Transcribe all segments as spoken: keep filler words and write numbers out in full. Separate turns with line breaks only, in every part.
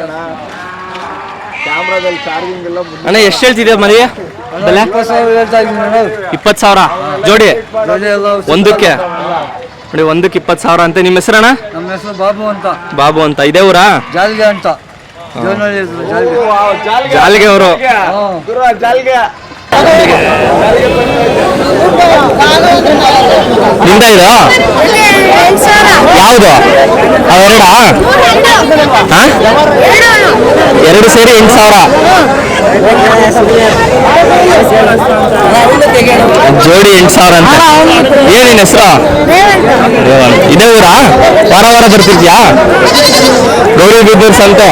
ಕ್ಯಾಮ್ರಾದಲ್ಲಿ charging ಎಲ್ಲ
ಅಣ್ಣ ಎಷ್ಟು ಹೇಳ್ತಿದ್ಯಾ ಮರಿ ಬೆಲೆ? ಇಪ್ಪತ್ತು ಸಾವಿರ ಜೋಡಿ ಒಂದಕ್ಕೆ ನೋಡಿ, ಒಂದಕ್ಕೆ ಇಪ್ಪತ್ತು ಸಾವಿರ ಅಂತ. ನಿಮ್ಮ ಹೆಸರಣ್ಣ?
ನಮ್ಮ ಹೆಸರು ಬಾಬು ಅಂತ.
ಬಾಬು ಅಂತ. ಇದೇ ಊರಾ?
ಜಾಲ್ಗೆ ಅಂತ.
ಜಾಲ್ಗೆ ಅವರು. ನಿಂದ ಇದು ಯಾವುದು? ಅವೆರಡಾ? ಎರಡು ಸೇರಿ ಎಂಟು ಸಾವಿರ ಜೋಡಿ, ಎಂಟು ಸಾವಿರ ಅಂತ. ಏನಿನ ಹೆಸರು? ಇದೇ ಊರಾ? ವಾರ ವಾರ ಬರ್ತಿದ್ಯಾ? ಗೌರಿ ಬಿದ್ದೂರ್ ಸಂತೆ.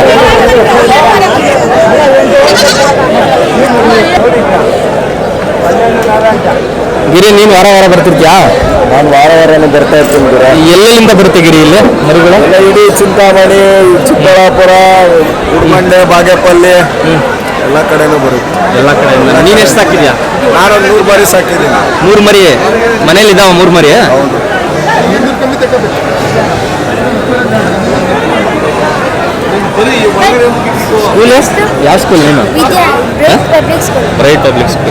ಗಿರಿ, ನೀನು ವಾರ ವಾರ ಬರ್ತಿರ್ತೀಯಾ?
ನಾನು ವಾರ ವಾರನೇ ಬರ್ತಾ ಇರ್ತೀನಿ.
ಎಲ್ಲೆಲ್ಲಿಂದ ಬರುತ್ತೆ ಗಿರಿ ಇಲ್ಲಿ ಮರಿಗಳು?
ಇಡೀ ಚಿಂತಾಮಣಿ, ಚಿಕ್ಕಬಳ್ಳಾಪುರ, ಉಡ್ಮಂಡೆ, ಬಾಗೇಪಲ್ಲಿ ಎಲ್ಲ ಕಡೆನೂ ಬರುತ್ತೆ.
ಎಲ್ಲ ಕಡೆಯಿಂದ. ನೀನು ಎಷ್ಟು ಸಾಕಿದ್ಯಾ?
ನಾನು ಒಂದು ಮೂರು ಮರಿ ಸಾಕಿದ್ದೀನಿ.
ಮೂರು ಮರಿ ಮನೇಲಿ ಇದಾವ? ಮೂರು ಮರಿ? ಸ್ಕೂಲ್ ಯಾವ ಸ್ಕೂಲ್? ನೀನು Bright Public School.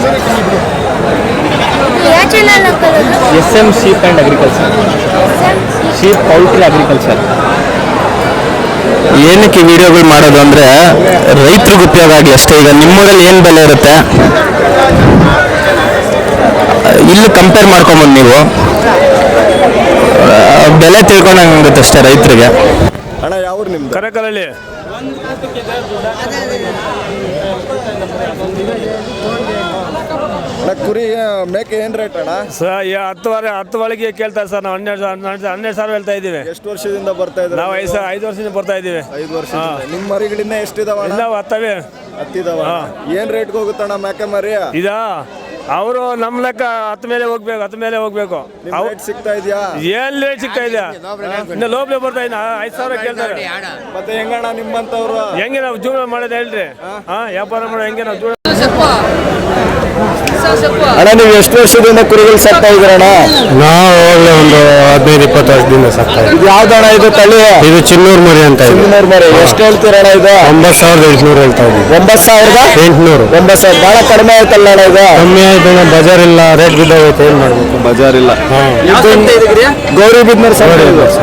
S M sheep and agriculture. Sheep poultry agriculture.
ಏನಕ್ಕೆ ವಿಡಿಯೋಗಳು ಮಾಡೋದು ಅಂದರೆ ರೈತರಿಗೆ ಉಪಯೋಗ ಆಗಲಿ ಅಷ್ಟೇ. ಈಗ ನಿಮ್ಮೂರಲ್ಲಿ ಏನು ಬೆಲೆ ಇರುತ್ತೆ ಇಲ್ಲಿ ಕಂಪೇರ್ ಮಾಡ್ಕೊಂಬಂದು ನೀವು ಬೆಲೆ ತಿಳ್ಕೊಂಡಂಗುತ್ತೆ ಅಷ್ಟೇ ರೈತರಿಗೆ.
ಅಣ್ಣ ಯಾವ್ರು ನಿಮ್ದು?
ಕರಕಲಲ್ಲಿ.
ಕುರಿ ಮೇಕೆ ಏನ್ ರೇಟ್ ಅಣ್ಣ?
ಸರ್ ಹತ್ತುವರೆ ಹತ್ತು ಒಳಗೆ ಕೇಳ್ತಾರೆ ಸರ್. ನಾವು ಹನ್ನೆರಡು ಹನ್ನೆರಡು ಸಾವಿರ ಹೇಳ್ತಾ ಇದ್ದೀವಿ.
ಎಷ್ಟು ವರ್ಷದಿಂದ ಬರ್ತಾ ಇದ್ದೀವಿ?
ನಾವು ಐದು ಐದು ವರ್ಷದಿಂದ ಬರ್ತಾ ಇದ್ದೀವಿ.
ಐದು ವರ್ಷ. ನಿಮ್ಮ ಮರಿಗಳಿಂದ ಎಷ್ಟಿದಾವ?
ನಾವು ಹತ್ತವೆ
ಹತ್ತಿದಾವ. ಏನ್ ರೇಟ್ಗೆ ಹೋಗುತ್ತಣ್ಣ ಮೇಕೆ ಮರಿ?
ಇದಾ ಅವರು ನಮ್ಮ ಲೆಕ್ಕ ಹತ್ತು ಮೇಲೆ ಹೋಗ್ಬೇಕು, ಹತ್ತು ಮೇಲೆ ಹೋಗ್ಬೇಕು.
ಸಿಗ್ತಾ ಇದೆಯಾ?
ಏನ್ ರೇಟ್ ಸಿಗ್ತಾ ಇದೆಯಾ? ಇನ್ನು ಲೋಬ್ಲೆ ಬರ್ತಾ ಇದ್ದ ಐದು ಸಾವಿರ ಕೇಳ್ತಾರೆ.
ಮತ್ತೆ ಹೆಂಗಣ್ಣ ನಿಮ್ಮಂತವ್ರು
ಹೆಂಗೆ ನಾವು ಜೀವನ ಮಾಡೋದು ಹೇಳ್ರಿ? ಹಾ, ವ್ಯಾಪಾರ ಮಾಡೋ ಹೆಂಗೆ ನಾವು ಜೀವನ?
ಅಣ್ಣ ನೀವು ಎಷ್ಟು ವರ್ಷದಿಂದ ಕುರಿಗಳು ಸಾಕ್ತಾ ಇದ್ದೀರಣ್ಣ?
ನಾವು ಹೋಗ್ಲಿ ಒಂದು ಹದಿನೈದು ಇಪ್ಪತ್ತು ವರ್ಷದಿಂದ ಸಾಕ್ತಾ ಇದ್ದೀವಿ.
ಇದು ಯಾವ್ದಣ್ಣ ಇದು ತಳಿ?
ಇದು ಚಿನ್ನೂರು ಮರಿ ಅಂತ.
ಚಿನ್ನೂರು ಮರಿ ಎಷ್ಟು ಹೇಳ್ತೀರಣ್ಣ ಇದು?
ಒಂಬತ್ತು ಸಾವಿರದ ಎಂಟುನೂರು ಹೇಳ್ತಾ ಇದ್ದೀವಿ.
ಒಂಬತ್ತು ಸಾವಿರದ
ಎಂಟುನೂರು.
ಒಂಬತ್ತು ಸಾವಿರ ಬಹಳ ಕಡಿಮೆ ಆಯ್ತಲ್ಲ ಅಣ್ಣ ಇದು?
ಕಮ್ಮಿ ಆಯ್ತು, ಬಜಾರ್ ಇಲ್ಲ, ರೇಟ್ ಬಿದ್ದೋಗೈತೆ, ಏನ್ ಮಾಡ್ಬೇಕು?
ಬಜಾರ್ ಇಲ್ಲ. ಗೌರಿ ಬಿದ್ನೂರು ಸರ್.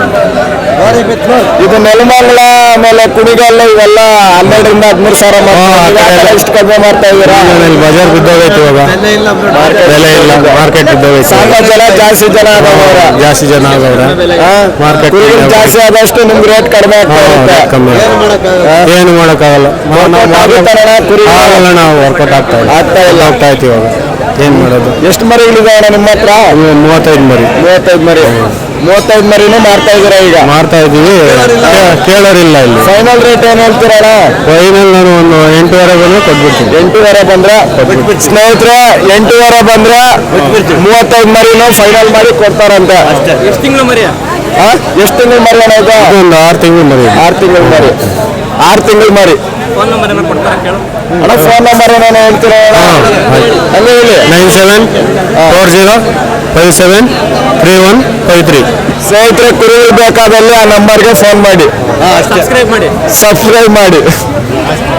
ಇದು ನೆಲಮಂಗಲ ಆಮೇಲೆ ಕುಣಿಗಲ್ಲ ಇವೆಲ್ಲ ಹನ್ನೆರಡರಿಂದ ಹದಿಮೂರು ಸಾವಿರ ಎಷ್ಟು ಕಡಿಮೆ ಮಾಡ್ತಾ ಇದ್ದೀರಾ?
ಬಜಾರ್ ಬಿದ್ದೋಗೈತೆ ಇವಾಗ, ಬೆಲೆ ಇಲ್ಲ, ಮಾರ್ಕೆಟ್ ಬಿದ್ದೋಗೈತೆ.
ಸಾಕಷ್ಟು ಜನ ಜಾಸ್ತಿ ಜನ ಆದವ್ರ
ಜಾಸ್ತಿ ಜನ ಆಗವ್ರೆ. ಮಾರ್ಕೆಟ್
ಜಾಸ್ತಿ ಆದಷ್ಟು ನಿಮ್ಗೆ ರೇಟ್ ಕಡಿಮೆ ಆಗ್ತಾ ಇರುತ್ತೆ.
ಕಮ್ಮಿ ಏನು ಮಾಡೋಕ್ಕಾಗಲ್ಲ. ನಾವು ವರ್ಕೌಟ್ ಆಗ್ತಾ ಇಲ್ಲ, ಆಗ್ತಾ ಇಲ್ಲ, ಆಗ್ತಾ ಇತ್ತು ಇವಾಗ. ಏನ್ ಮಾಡೋದು?
ಎಷ್ಟು ಮರಿಗಳಿದಾವೆ ನಿಮ್ಮ ಹತ್ರ?
ಮೂವತ್ತೈದು ಮರಿ.
ಮೂವತ್ತೈದು ಮರಿ ಮೂವತ್ತೈದು ಮರಿನೂ ಮಾರ್ತಾ ಇದ್ದೀರಾ ಈಗ?
ಮಾರ್ತಾ ಇದೀವಿ. ಕೇಳೋರಿಲ್ಲ ಇಲ್ಲಿ.
ಫೈನಲ್ ರೇಟ್ ಏನ್ ಹೇಳ್ತೀರಣ್ಣ?
ಫೈನಲ್ ನಾನು ಒಂದು ಎಂಟೂವರೆ ಬಂದ್ರೆ ಕೊಟ್ಬಿಡ್ತೀನಿ.
ಎಂಟೂವರೆ ಬಂದ್ರೆ ಸ್ನೇಹಿತರೆ, ಎಂಟೂವರೆ ಬಂದ್ರೆ ಮೂವತ್ತೈದು ಮರಿನೂ ಫೈನಲ್ ಮಾಡಿ ಕೊಡ್ತಾರಂತೆ.
ಎಷ್ಟು ತಿಂಗಳು ಮರಿ?
ಎಷ್ಟು ತಿಂಗಳು ಮರಿ ಅಣ್ಣ ಇದು?
ಒಂದು ಆರು ತಿಂಗಳು ಮರಿ.
ಆರು ತಿಂಗಳು ಮರಿ ಆರು ತಿಂಗಳು ಮರಿ
ಫೋನ್ ನಂಬರ್ ಏನೋ ಕೊಡ್ತಾರ ಕೇಳು
ಅಣ್ಣ. ಫೋನ್ ನಂಬರ್ ಏನೇನು ಹೇಳ್ತೀರಾ? ಹಂಗೆ ಹೇಳಿ.
Nine seven four zero five seven three one five three.
ಸ್ನೇಹಿತರೆ, ಕುರಿಗಳು ಬೇಕಾದಲ್ಲಿ ಆ ನಂಬರ್ಗೆ ಫೋನ್ ಮಾಡಿ,
ಸಬ್ಸ್ಕ್ರೈಬ್ ಮಾಡಿ
ಸಬ್ಸ್ಕ್ರೈಬ್ ಮಾಡಿ.